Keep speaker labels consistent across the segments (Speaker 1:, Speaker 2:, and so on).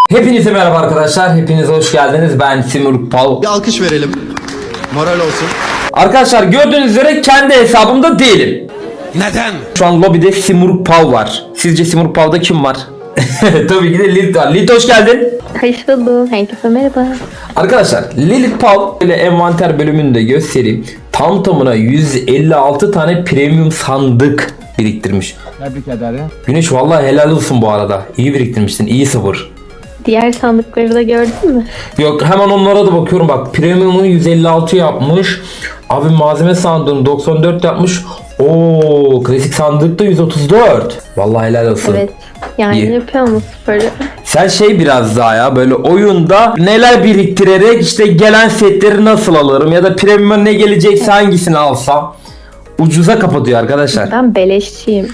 Speaker 1: Hepinize merhaba arkadaşlar. Hepiniz hoş geldiniz. Ben Simur Pal.
Speaker 2: Bir alkış verelim. Moral olsun.
Speaker 1: Arkadaşlar gördüğünüz üzere kendi hesabımda değilim.
Speaker 2: Neden?
Speaker 1: Şu an lobide Simur Pal var. Sizce Simur Pal'da kim var? Tabii ki de Lilith var. Lilith hoş geldin.
Speaker 3: Hoş bulduk. Herkese merhaba.
Speaker 1: Arkadaşlar Lilith Pal ile envanter bölümünü de göstereyim. Tam tamına 156 tane premium sandık biriktirmiş.
Speaker 4: Tebrik ederim.
Speaker 1: Güneş vallahi helal olsun bu arada. İyi biriktirmişsin. İyi sabır.
Speaker 3: Diğer sandıkları da gördün mü?
Speaker 1: Yok hemen onlara da bakıyorum bak. Premium'u 156 yapmış. Abi malzeme sandığını 94 yapmış. Oo, klasik sandıkta 134. Vallahi helal olsun.
Speaker 3: Evet. Yani
Speaker 1: İyi.
Speaker 3: yapıyor mu sporu?
Speaker 1: Sen biraz daha ya böyle oyunda neler biriktirerek işte gelen setleri nasıl alırım ya da premium'a ne gelecekse hangisini alsam ucuza kapatıyor arkadaşlar.
Speaker 3: Ben beleşçiyim.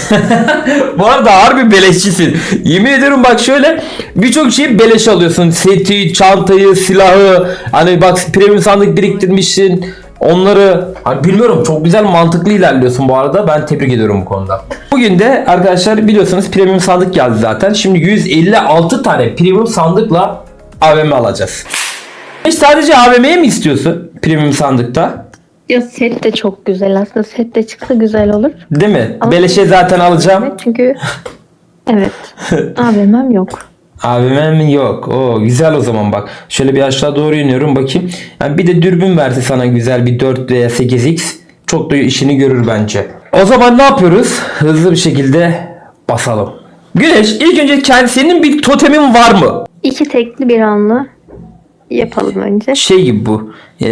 Speaker 1: Bu arada harbi beleşçisin. Yemin ediyorum bak şöyle birçok şeyi beleş alıyorsun. Seti, çantayı, silahı. Hani bak premium sandık biriktirmişsin. Onları hani bilmiyorum çok güzel mantıklı ilerliyorsun bu arada. Ben tebrik ediyorum bu konuda. Bugün de arkadaşlar biliyorsunuz premium sandık geldi zaten. Şimdi 156 tane premium sandıkla AVM alacağız. Hiç sadece AVM'ye mi istiyorsun premium sandıkta?
Speaker 3: Ya set de çok güzel aslında. Set de çıksa güzel olur.
Speaker 1: Değil mi?
Speaker 3: Ama-
Speaker 1: Beleşe zaten alacağım.
Speaker 3: Evet çünkü evet. AVM'm yok.
Speaker 1: AVM'm yok. O güzel o zaman bak. Şöyle bir aşağı doğru iniyorum bakayım. Yani bir de dürbün verse sana güzel bir 4 veya 8x çok da işini görür bence. O zaman ne yapıyoruz? Hızlı bir şekilde basalım. Güneş ilk önce senin bir totemin var mı?
Speaker 3: 2 tekli bir anlı yapalım önce.
Speaker 1: Şey gibi bu.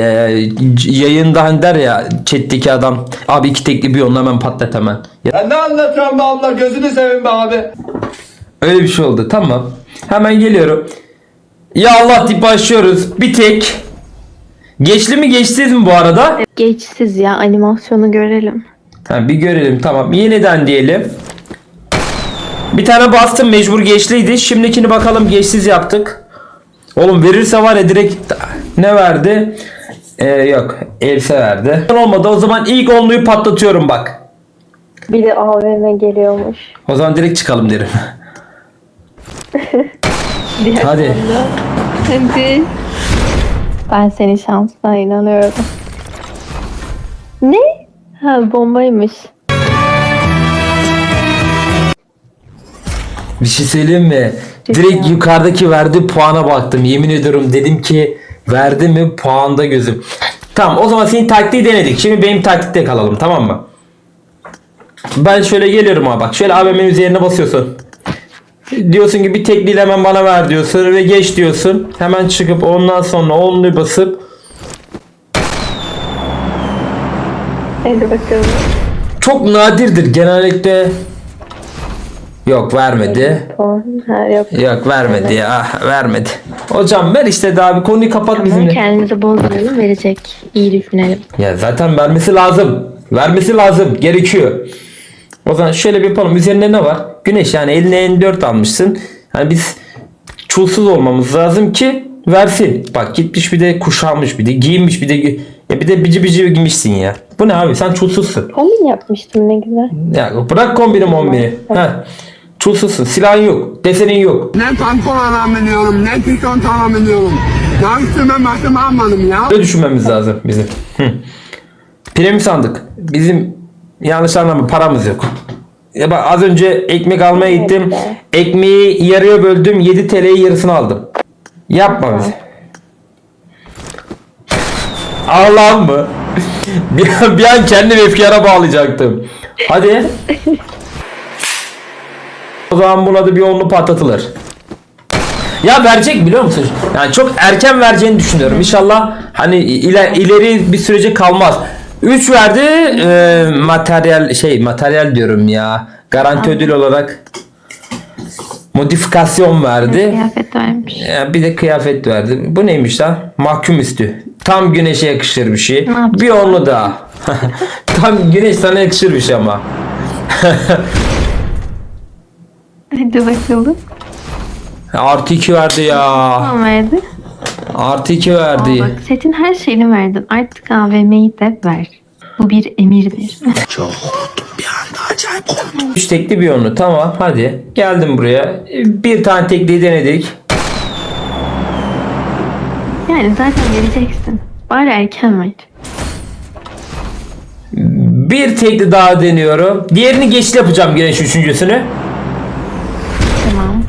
Speaker 1: Yayında hani der ya chat'teki adam. Abi 2 tekli bir onunla hemen patlat hemen.
Speaker 4: Ya ne anlatıyorsun be abla, gözünü seveyim be abi.
Speaker 1: Öyle bir şey oldu. Tamam. Hemen geliyorum. Ya Allah deyip başlıyoruz. Bir tek. Geçli mi geçsiz mi bu arada?
Speaker 3: Geçsiz ya, animasyonu görelim.
Speaker 1: Ha, bir görelim tamam. Yeniden diyelim. Bir tane bastım mecbur geçliydi. Şimdikini bakalım geçsiz yaptık. Oğlum verirse var ya direkt ne verdi? Yok. Else verdi. Olmadı o zaman ilk onluyu patlatıyorum bak.
Speaker 3: Bir de AVM geliyormuş.
Speaker 1: O zaman direkt çıkalım derim.
Speaker 3: Diğer
Speaker 1: Hadi.
Speaker 3: anda. Hadi. Ben senin şansına inanıyorum. Ne? Ha, bombaymış.
Speaker 1: Bir şey söyleyeyim mi? Direkt yukarıdaki verdiği puana baktım. Yemin ediyorum dedim ki verdi mi puanda gözüm. Tamam o zaman senin taktiği denedik. Şimdi benim taktikte kalalım tamam mı? Ben şöyle geliyorum abi bak. Şöyle AVM'nin üzerine basıyorsun. Diyorsun ki bir tekliyle hemen bana ver diyorsun ve geç diyorsun. Hemen çıkıp ondan sonra onluyu basıp
Speaker 3: Hadi bakalım.
Speaker 1: çok nadirdir genellikle. Yok vermedi.
Speaker 3: Ha, yok.
Speaker 1: Yok vermedi ya vermedi. Hocam ver işte daha bir konuyu kapat
Speaker 3: Tamam,
Speaker 1: bizimle.
Speaker 3: kendimizi bozmayalım, verecek. İyi düşünelim.
Speaker 1: Ya zaten vermesi lazım. Vermesi lazım. Gerekiyor. O zaman şöyle bir yapalım. Üzerinde ne var? Güneş yani eline N4 almışsın. Yani biz çulsuz olmamız lazım ki versin. Bak gitmiş bir de kuşanmış bir de giyinmiş bir de ya bir de bici bici giymişsin ya. Bu ne abi sen çulsuzsun.
Speaker 3: Kombin yapmıştım ne güzel.
Speaker 1: Ya bırak kombini mombini. Ha. Çulsuzsun. Silahın yok. Desenin yok.
Speaker 5: Ne pantolon alabiliyorum, ne tişört alabiliyorum. Ya üstüme başıma almadım ya.
Speaker 1: Böyle düşünmemiz lazım bizim. Premium sandık. Bizim yanlış anlama paramız yok. Ya bak az önce ekmek almaya gittim. Ekmeği yarıya böldüm. 7 TL'yi yarısını aldım. Yapma bizi. Allah'ım mı? bir an kendimi efkara bağlayacaktım. Hadi. O zaman buna da bir onlu patlatılır. Ya verecek biliyor musun? Yani çok erken vereceğini düşünüyorum. İnşallah hani ileri bir sürece kalmaz. 3 verdi materyal diyorum ya. Garanti ödül olarak modifikasyon verdi.
Speaker 3: Kıyafet vermiş.
Speaker 1: Bir de kıyafet verdi. Bu neymiş lan? Mahkum üstü. Tam güneşe yakışır bir şey.
Speaker 3: yapacağız?
Speaker 1: Bir onlu daha. Tam güneş sana yakışır bir şey ama.
Speaker 3: Hadi bakalım.
Speaker 1: Artı 2 verdi ya.
Speaker 3: Tamam, verdi.
Speaker 1: Artı 2 verdi.
Speaker 3: Bak, setin her şeyini verdin. Artık AVM'yi de ver. Bu bir emirdir.
Speaker 1: 3 tekli bir onlu tamam hadi geldim buraya bir tane tekliyi denedik
Speaker 3: Yani zaten vereceksin. Bari erken ver.
Speaker 1: Bir tekli daha deniyorum. Diğerini geçli yapacağım güneş üçüncüsünü.
Speaker 3: Tamam.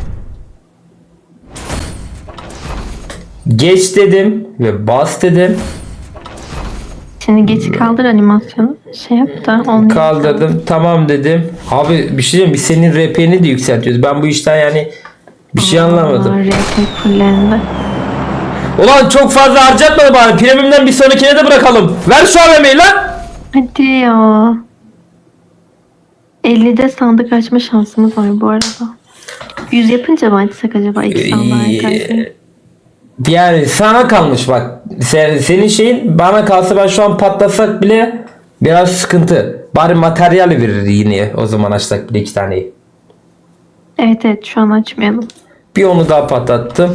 Speaker 1: Geç dedim ve bas dedim.
Speaker 3: Şimdi geç kaldır animasyonu. Şey yap da onu
Speaker 1: Kaldırdım. Tamam dedim. Abi bir şey diyeyim, biz senin RP'ni de yükseltiyoruz. Ben bu işten yani bir şey anlamadım.
Speaker 3: RP fullendi.
Speaker 1: Ulan çok fazla harcatma bari. Premium'dan bir sonrakine de bırakalım. Ver şu AVM'yi lan.
Speaker 3: Hadi ya. 50'de sandık açma şansımız var bu arada. 100 yapınca mı açsak acaba 2 sandığa karşı?
Speaker 1: Yani sana kalmış bak. Senin şeyin bana kalsa ben şu an patlasak bile biraz sıkıntı. Bari materyal verir yine o zaman açsak bile 2 taneyi.
Speaker 3: Evet evet şu an açmayalım.
Speaker 1: Bir onu daha patlattım.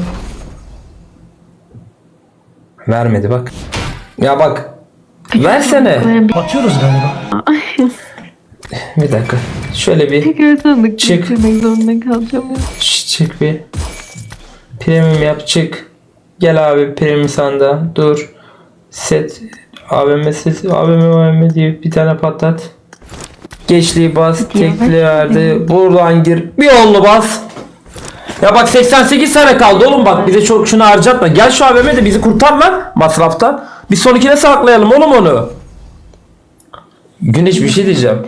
Speaker 1: Vermedi bak. Ya bak. Versene.
Speaker 3: Böyle bir
Speaker 1: Bir dakika. Şöyle bir
Speaker 3: tekrar sandık
Speaker 1: Çık.
Speaker 3: geçirmek zorunda kalacağım. Ya.
Speaker 1: çık bir. Premium yap çık. Gel abi premium sandığa. Dur. Set. AVM set. AVM diye bir tane patlat. Geçliği bas.
Speaker 3: Hadi ya,
Speaker 1: Tekli
Speaker 3: ver.
Speaker 1: verdi. Buradan gir. Bir onlu bas. Ya bak 88 tane kaldı oğlum bak. Bize çok şunu harcatma. Gel şu AVM de bizi kurtar lan masrafta. Bir sonrakine saklayalım oğlum onu. Güneş bir şey diyeceğim.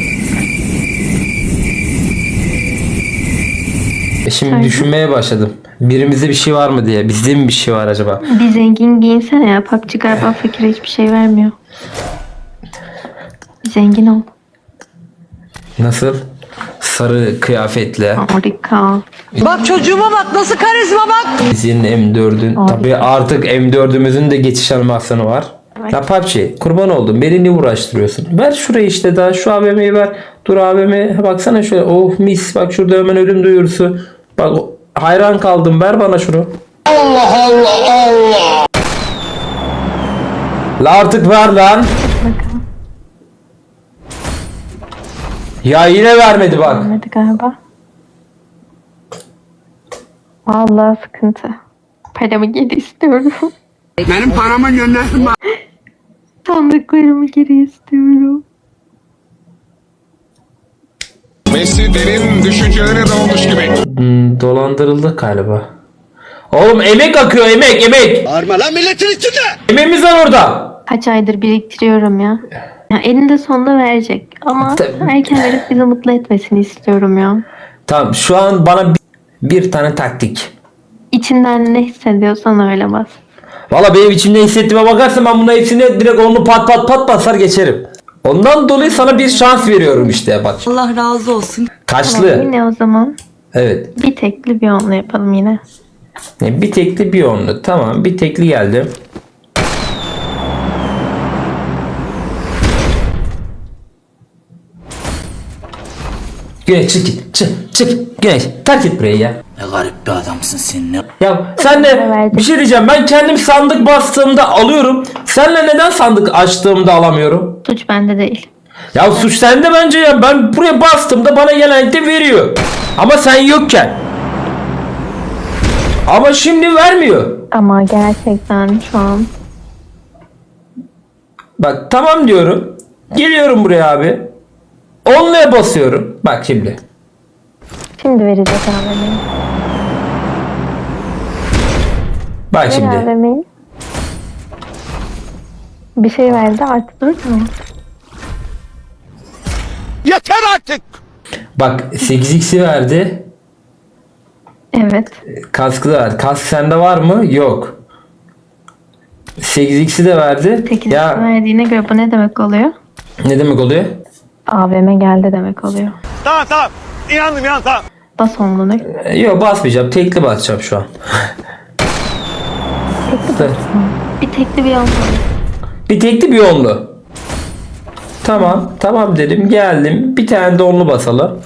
Speaker 1: Şimdi
Speaker 3: Söyle.
Speaker 1: düşünmeye başladım. Birimizde bir şey var mı diye. Bizde mi bir şey var acaba?
Speaker 3: Bir zengin giyinsene ya. PUBG galiba fakire hiçbir şey vermiyor. Bir zengin ol.
Speaker 1: Nasıl? Sarı kıyafetle.
Speaker 3: Harika.
Speaker 6: Bak çocuğuma bak nasıl karizma bak.
Speaker 1: Bizim M4'ün.
Speaker 3: Abi.
Speaker 1: Tabii artık M4'ümüzün de geçiş animasyonu var.
Speaker 3: Evet.
Speaker 1: Ya PUBG kurban oldum. Beni niye uğraştırıyorsun? Ver şurayı işte daha. Şu AVM'yi ver. Dur AVM. Baksana şöyle. Oh mis. Bak şurada hemen ölüm duyurusu. Bak hayran kaldım. Ver bana şunu. Allah Allah Allah. La artık ver lan.
Speaker 3: Bakalım.
Speaker 1: Ya yine vermedi bak.
Speaker 3: Vermedi galiba. Vallahi sıkıntı. Paramı geri istiyorum.
Speaker 5: Benim paramı göndersin bana.
Speaker 3: Sandıklarımı geri istiyorum.
Speaker 2: Messi derin düşüncelere dalmış gibi.
Speaker 1: Dolandırıldık galiba. Oğlum emek akıyor emek.
Speaker 2: Bağırma lan milletin içinde.
Speaker 1: Emeğimiz var orada.
Speaker 3: Kaç aydır biriktiriyorum ya. Ya eninde sonunda verecek. Ama
Speaker 1: Tabii.
Speaker 3: erken verip bizi mutlu etmesini istiyorum ya.
Speaker 1: Tamam şu an bana bir tane taktik.
Speaker 3: İçinden ne hissediyorsan öyle bas.
Speaker 1: Valla benim içimde hissettiğime bakarsan ben bunların hepsini direkt onu pat basar geçerim. Ondan dolayı sana bir şans veriyorum işte bak.
Speaker 6: Allah razı olsun.
Speaker 3: Tamam,
Speaker 1: Kaçlı?
Speaker 3: yine o zaman
Speaker 1: Evet.
Speaker 3: bir tekli bir onlu yapalım yine.
Speaker 1: Bir tekli bir onlu. Tamam bir tekli geldi. Güneş çık git. Çık. Güneş terk et burayı ya.
Speaker 7: Ne garip bir adamsın sen ne?
Speaker 1: Ya sen de
Speaker 3: verdim.
Speaker 1: bir şey diyeceğim. Ben kendim sandık bastığımda alıyorum. Senle neden sandık açtığımda alamıyorum?
Speaker 3: Suç bende değil.
Speaker 1: Ya suç sende bence ya. Ben buraya bastığımda bana genellikle veriyor. Ama sen yokken. Ama şimdi vermiyor.
Speaker 3: Ama gerçekten şu an
Speaker 1: Bak tamam diyorum. Geliyorum buraya abi. Onluya basıyorum. Bak şimdi.
Speaker 3: şimdi verecek AVM'yi.
Speaker 1: Bak
Speaker 3: Ver
Speaker 1: şimdi.
Speaker 3: AVM'yi. Bir şey verdi artık dur tamam.
Speaker 2: Yeter artık.
Speaker 1: Bak 8x'i verdi.
Speaker 3: Evet.
Speaker 1: Kaskı da verdi. Kask sende var mı? Yok. 8x'i de verdi.
Speaker 3: 8
Speaker 1: Ya
Speaker 3: verdiğine göre bu ne demek oluyor?
Speaker 1: ne demek oluyor?
Speaker 3: AVM geldi demek oluyor.
Speaker 2: Tamam. İnandım tamam.
Speaker 3: Bas onluğunu.
Speaker 1: Yok basmayacağım. Tekli basacağım şu an.
Speaker 3: Bir tekli bir onlu.
Speaker 1: Bir tekli bir onlu. Tamam dedim geldim. Bir tane de onlu basalım.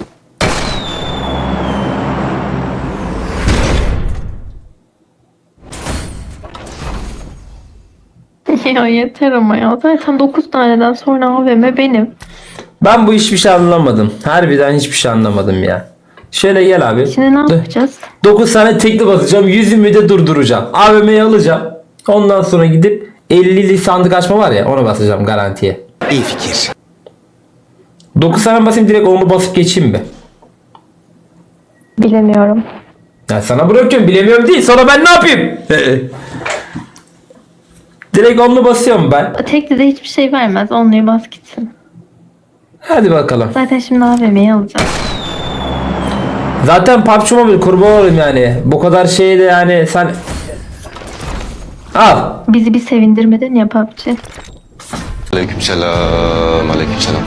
Speaker 3: Ya yeter ama ya. Zaten 9 taneden sonra AVM benim.
Speaker 1: Ben bu hiçbir şey anlamadım. Harbiden hiçbir şey anlamadım ya. Şöyle gel abi.
Speaker 3: Şimdi ne yapacağız?
Speaker 1: 9 tane tekli basacağım. 120'de durduracağım. AVM'yi alacağım. Ondan sonra gidip 50'li sandık açma var ya, ona basacağım garantiye.
Speaker 7: İyi fikir.
Speaker 1: 9 tane basayım, direkt onu basıp geçeyim mi?
Speaker 3: Bilemiyorum.
Speaker 1: Ya sana bırakıyorum, bilemiyorum değil. Sonra ben ne yapayım? Direkt onu basıyorum ben.
Speaker 3: Tekli de hiçbir şey vermez. Onluyu bas gitsin.
Speaker 1: Hadi bakalım.
Speaker 3: Zaten şimdi AVM'yi alacağım.
Speaker 1: Zaten PUBG Mobile kurban olayım yani. Bu kadar şeyde yani sen... Al.
Speaker 3: Bizi bir sevindirmedin ya PUBG.
Speaker 2: Aleykümselam. Aleykümselam.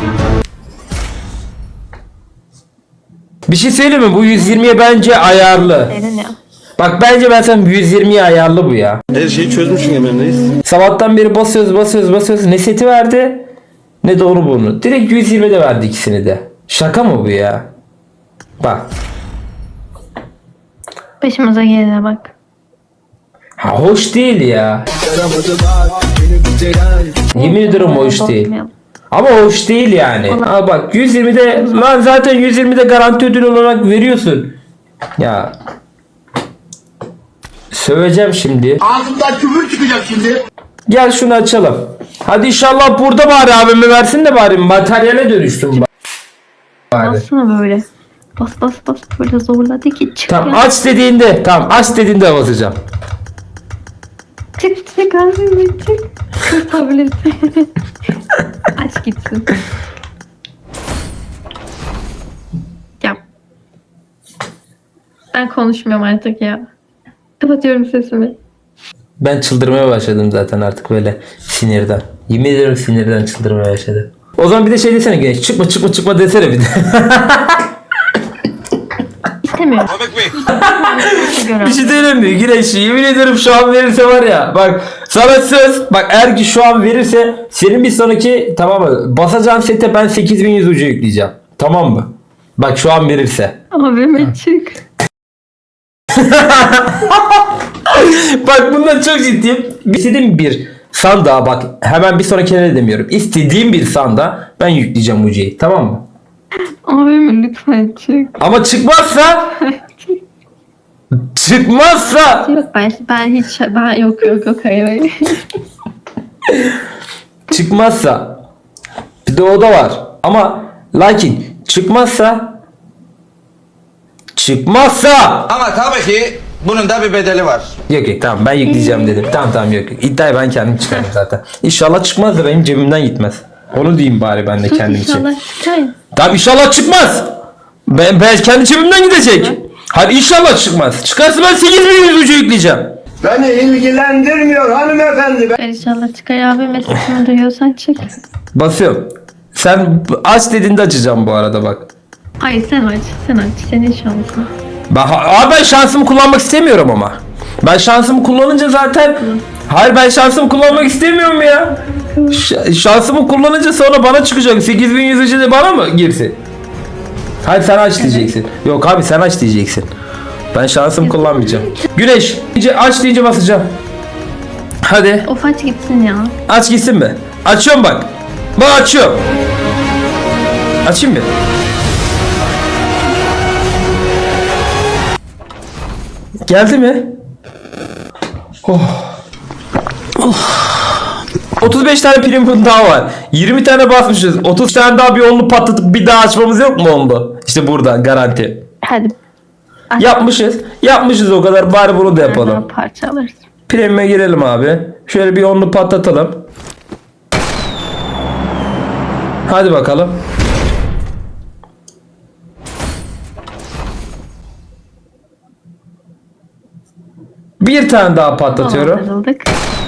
Speaker 1: Bir şey söyleyeyim mi? Bu 120'ye bence ayarlı.
Speaker 3: Dedin ya.
Speaker 1: Bak bence ben sana 120'ye ayarlı bu ya.
Speaker 8: Her şeyi çözmüşsün Emre'ndeyiz.
Speaker 1: Sabahtan beri basıyoruz. Ne seti verdi ne de onu bunu. Direkt 120'de verdi ikisini de. Şaka mı bu ya? Bak.
Speaker 3: Başımıza gelene bak.
Speaker 1: Ha, hoş değil ya. Yemin ederim hoş değil.
Speaker 3: Bozmayalım.
Speaker 1: Ama hoş değil yani. Ha bak 120'de lan zaten 120'de garanti ödül olarak veriyorsun. Ya. Söveceğim şimdi.
Speaker 5: Ağzımdan küfür çıkacak şimdi.
Speaker 1: Gel şunu açalım. Hadi inşallah burada bari abime versin de bari materyale dönüştüm bari.
Speaker 3: Bassana böyle. Bas böyle zorladı ki çık
Speaker 1: Tamam
Speaker 3: ya.
Speaker 1: aç dediğinde, tamam aç dediğinde basacağım.
Speaker 3: Çık AVM çık. Kurtabilirsin. Aç gitsin. Ya. Ben konuşmuyorum artık ya. Kapatıyorum sesimi.
Speaker 1: Ben çıldırmaya başladım zaten artık böyle sinirden. Yemin ederim sinirden çıldırmaya başladım. O zaman bir de şey desene Güneş, çıkma desene bir de.
Speaker 3: İstemiyorum.
Speaker 1: Bir şey söyleyeyim mi Güneş, yemin ederim şu an verirse var ya, bak sana söz, bak eğer ki şu an verirse senin bir sonraki, tamam mı, basacağın sete ben 8100 ucu yükleyeceğim, tamam mı? Bak şu an verirse.
Speaker 3: AVM çık.
Speaker 1: Bak bundan çok ciddiyim. İstediğim bir sandığa, bak hemen bir sonrakine de demiyorum. İstediğim bir sandığa ben yükleyeceğim ucuyu, tamam mı?
Speaker 3: AVM lütfen çık.
Speaker 1: Ama çıkmazsa
Speaker 3: Yok ben yok hayır.
Speaker 1: çıkmazsa bir de o da var. Ama lakin çıkmazsa
Speaker 7: Ama tabii ki bunun da bir bedeli var.
Speaker 1: yok tamam ben yükleyeceğim dedim. Tamam yok. İddiayı ben kendim çıkarım zaten. İnşallah çıkmaz da benim cebimden gitmez. Onu diyeyim bari ben de kendim için.
Speaker 3: İnşallah çıkar.
Speaker 1: Tamam inşallah çıkmaz. Ben kendi cebimden gidecek. Hadi inşallah çıkmaz. Çıkarsa ben 8100 ucu yükleyeceğim.
Speaker 5: Beni ilgilendirmiyor hanımefendi.
Speaker 3: İnşallah çıkar AVM sesini duyuyorsan çık.
Speaker 1: Basıyorum. Sen aç dediğinde açacağım bu arada bak.
Speaker 3: Hayır sen aç. Senin şansın.
Speaker 1: Ben şansımı kullanmak istemiyorum ama. Ben şansımı kullanınca zaten... Hayır ben şansımı kullanmak istemiyorum ya. Şansımı kullanınca sonra bana çıkacak. 8100 de bana mı girsin? Hayır sen aç diyeceksin. Yok abi sen aç diyeceksin. Ben şansımı kullanmayacağım. Güneş aç deyince basacağım. Hadi
Speaker 3: Of aç gitsin ya.
Speaker 1: aç gitsin mi? Açıyorum bak. Bak açıyorum. Açayım mı? Geldi mi? Oh. 35 tane premium daha var. 20 tane basmışız. 30 tane daha bir onlu patlatıp bir daha açmamız yok mu onlu? İşte burada garanti.
Speaker 3: Hadi. Aç.
Speaker 1: Yapmışız o kadar, bari bunu da
Speaker 3: Daha
Speaker 1: yapalım.
Speaker 3: parça alırız.
Speaker 1: Premium'e girelim abi. Şöyle bir onlu patlatalım. Hadi bakalım. Bir tane daha patlatıyorum.
Speaker 3: Dolandırıldık.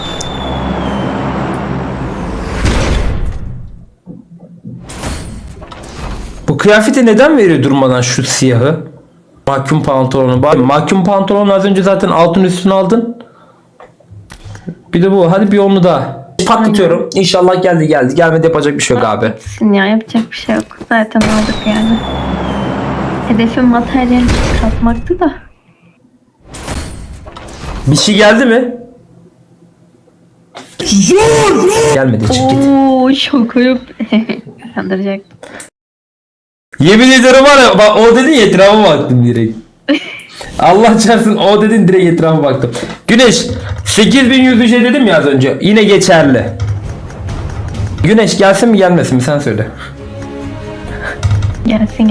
Speaker 1: Bu kıyafeti neden veriyor durmadan şu siyahı? Mahkum pantolonu. Bak mahkum pantolonu az önce zaten altın üstüne aldın. Bir de bu. Hadi bir onu daha. Patlatıyorum. İnşallah geldi. Gelmedi yapacak bir şey yok abi.
Speaker 3: Gitsin ya yapacak bir şey yok. Zaten aldık yani. Hedefim materyal katmaktı da.
Speaker 1: Bir şey geldi mi? Gelmedi, çık git.
Speaker 3: Ooo şoka yok. Kandıracak.
Speaker 1: Yemin ederim var ya, bak o dedin ya, etrafa baktım direkt. Allah çarpsın o dedin direkt etrafa baktım. Güneş 8100 dedim ya az önce. Yine geçerli. Güneş gelsin mi gelmesin mi sen söyle.
Speaker 3: Gelsin.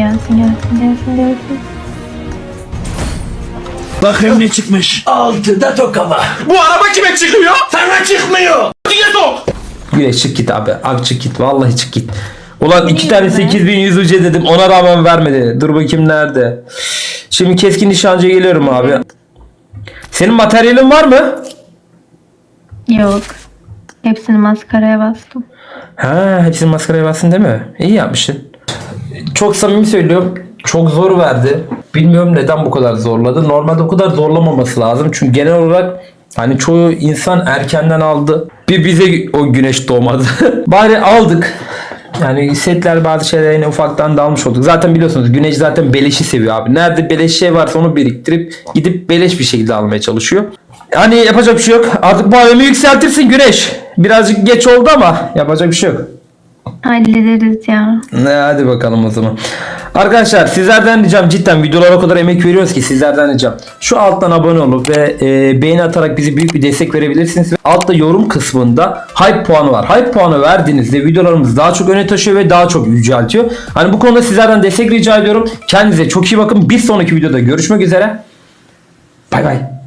Speaker 8: Bakayım ne çıkmış. Altıda tokama. Bu araba kime çıkıyor? Sana çıkmıyor. Diye sok.
Speaker 1: Güneş çık git abi. Abi çık git. Vallahi çık git. Ulan iki
Speaker 3: Niye
Speaker 1: tane
Speaker 3: be?
Speaker 1: 8100 UC dedim. Ona rağmen vermedi. Dur bakayım nerede. Şimdi keskin nişancıya geliyorum abi. Senin materyalin var mı?
Speaker 3: Yok. Hepsini maskaraya bastım.
Speaker 1: Ha, hepsini maskaraya bastın değil mi? İyi yapmışsın. Çok samimi söylüyorum. Çok zor verdi. Bilmiyorum neden bu kadar zorladı. Normalde o kadar zorlamaması lazım. Çünkü genel olarak hani çoğu insan erkenden aldı. Bir bize o güneş doğmadı. Bari aldık. Yani setler bazı şeyler yine ufaktan da almış olduk. Zaten biliyorsunuz Güneş zaten beleşi seviyor abi. Nerede beleş şey varsa onu biriktirip gidip beleş bir şekilde almaya çalışıyor. Yani yapacak bir şey yok. Artık bu alemi yükseltirsin Güneş. Birazcık geç oldu ama yapacak bir şey yok.
Speaker 3: Hallederiz ya.
Speaker 1: Hadi bakalım o zaman. Arkadaşlar sizlerden ricam cidden videolara o kadar emek veriyoruz ki sizlerden ricam. Şu alttan abone olup ve beğeni atarak bizi büyük bir destek verebilirsiniz. Ve altta yorum kısmında hype puanı var. Hype puanı verdiğinizde videolarımız daha çok öne taşıyor ve daha çok yüceltiyor. Hani bu konuda sizlerden destek rica ediyorum. Kendinize çok iyi bakın. Bir sonraki videoda görüşmek üzere. Bay bay.